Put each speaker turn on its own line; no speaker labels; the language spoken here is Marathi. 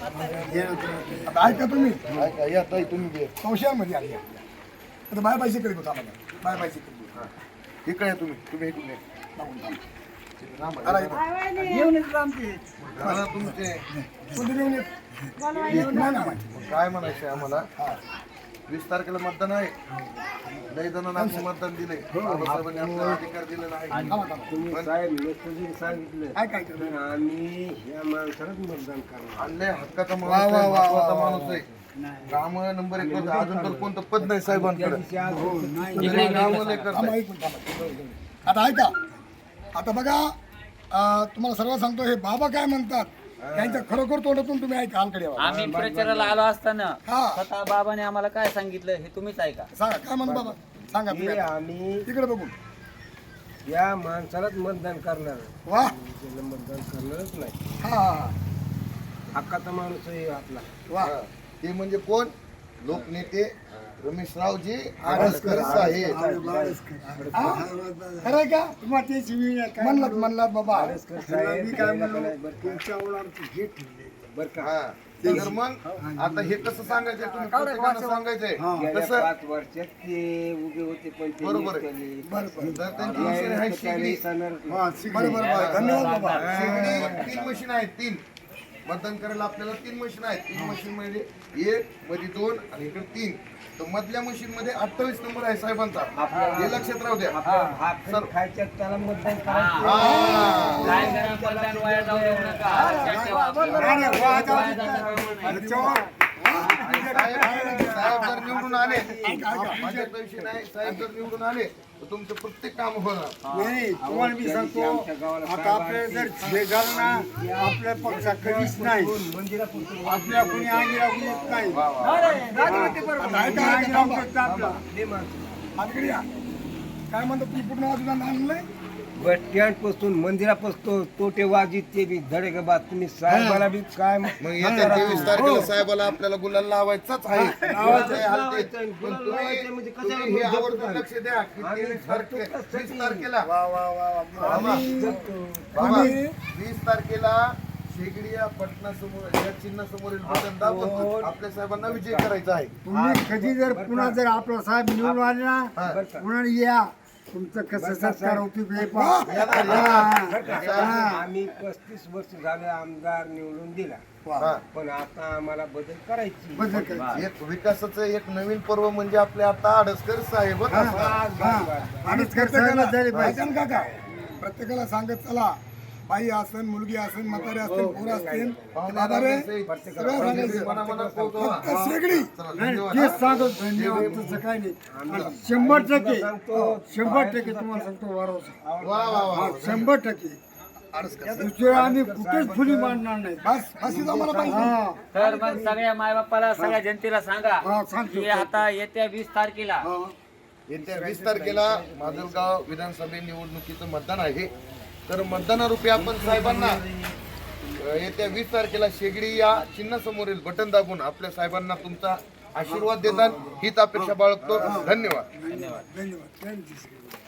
आता ऐका तुम्ही
ऐका या ताई तुम्ही बी.
संशयामध्ये आली आता बाय पाहिजे करीत होता मला बाय पाहिजे करीत
इकडे या तुम्ही इकडून या.
येऊन येत आमचे
दादा तुमचे
कोणते येऊन येत नाही ना माहिती
काय म्हणायचं आम्हाला 20 तारखेला मतदान आहे. लई जणांना आपण मतदान दिले बाबासाहेबांनी आपल्याला अधिकार दिलेला आहे.
तुम्ही साहेब लोकप्रतिनिधी सांगितलं
काय काय केलं?
आम्ही या माणसालाच मतदान करणार.
आणले हक्काचा माणूस आहे, महत्वाचा माणूस आहे. काम नंबर 1 वर अजून तर कोणतं पद नाही साहेबांकडे. कामं लय करताय.
थांबा, ऐकून थांबा. आता ऐका आता बघा तुम्हाला सर्व सांगतो हे बाबा काय म्हणतात त्यांच्या खरोखर तोंडातून तुम्ही ऐका हालकडे यावं.
आम्ही प्रचाराला आलो असताना
हा
स्वतः बाबाने आम्हाला काय सांगितलं हे तुम्हीच ऐका.
सांगा काय म्हणतो बाबा सांगा
हे
तुम्ही आता.
आम्ही
तिकडे बघून
या माणसालाच मतदान करणार.
वा
त्याला मतदान करणारच नाही.
हा हा
हक्काचा माणूस आहे आपला.
वा
हा. ते म्हणजे कोण लोकनेते रमेशरावजी आडसकर साहेब.
खरंय का म्हणलात बाबा
आडसकर साहेब
मी काय म्हणलो
बरं का
हा. तर मग आता हे कसं सांगायचंय तुम्ही प्रत्येकानं सांगायचंय
गेल्या
कसं
5 वर्षात ते उभे होते पण ते
बरोबर आहे.
निघाले.
तर त्यांची मशीन आहे शेगडी.
बरोबर धन्यवाद बाबा
शेगडी 3 मशीन आहेत 3 मतदान करायला आपल्याला 3 मशीन आहेत. 3 मशीन मध्ये 1 मध्ये 2 आणि इकडे 3. तर मधल्या मशीन मध्ये 28 नंबर आहे साहेबांचा. हे लक्षात राहू द्या.
भाकरी खायच्या त्याला मतदान करायचं.
हा.
काय करा मतदान वाया जाऊ देऊ नका. लक्षात ठेवा.
साहेब जर निवडून आले माझ्या विषय नाही. साहेब जर निवडून आले तर तुमचं प्रत्येक काम होणार.
तुम्हाला मी सांगतो आता आपल्याला जर हे झालं ना आपल्या पक्षा कधीच नाही आपल्या कोणी आगी लागू येत नाही.
हालकडे या. काय म्हणतो तुम्ही पूर्ण बाजूला आणलंय
बस स्टँड पासून मंदिरापासून तोटे वाजित ते बी धडे का बात तुम्ही साहेबाला बी काय
मग येत्या 23 तारखेला साहेबाला आपल्याला गुलाल लावायचाच आहे. पण तुम्ही हे आवर्जून लक्ष द्या की 23 तारखेला बाबा 20 तारखेला शेगडी या पटना समोर या चिन्हासमोरील बटन दाबून आपल्या साहेबांना विजय करायचा आहे.
तुम्ही कधी जर पुन्हा जर आपला साहेब निवडून आले ना पुन्हा या तुमचं कसं सत्कार होती
आम्ही 35 वर्ष झाले आमदार निवडून दिला.
हा.
पण आता आम्हाला बदल करायची.
एक विकासाचं एक नवीन पर्व म्हणजे आपले आता आडसकर साहेब
काका प्रत्येकाला सांगत चला बाई असेल मुलगी असेल म्हातारे असतील पोरं असतील बाबा रे सगळं सांगायचं फक्त शेगडी
तेच सांगत धन्यवाद तुझं काय नाही 100% तुम्हाला सांगतो वारं 100% दुसरं आम्ही कुठेच फुली मांडणार नाही.
बस बस आम्हाला पाहिजे
तर मग सगळ्या मायबापाला सगळ्या जनतेला सांगा
सांगतो.
की आता येत्या 20 तारखेला
येत्या 20 तारखेला माजलगाव विधानसभा निवडणुकीचं मतदान आहे. तर मतदानारूपी आपण साहेबांना येत्या 20 तारखेला शेगडी या चिन्हासमोरील बटन दाबून आपल्या साहेबांना तुमचा आशीर्वाद देतात हीच अपेक्षा बाळगतो. धन्यवाद.
धन्यवाद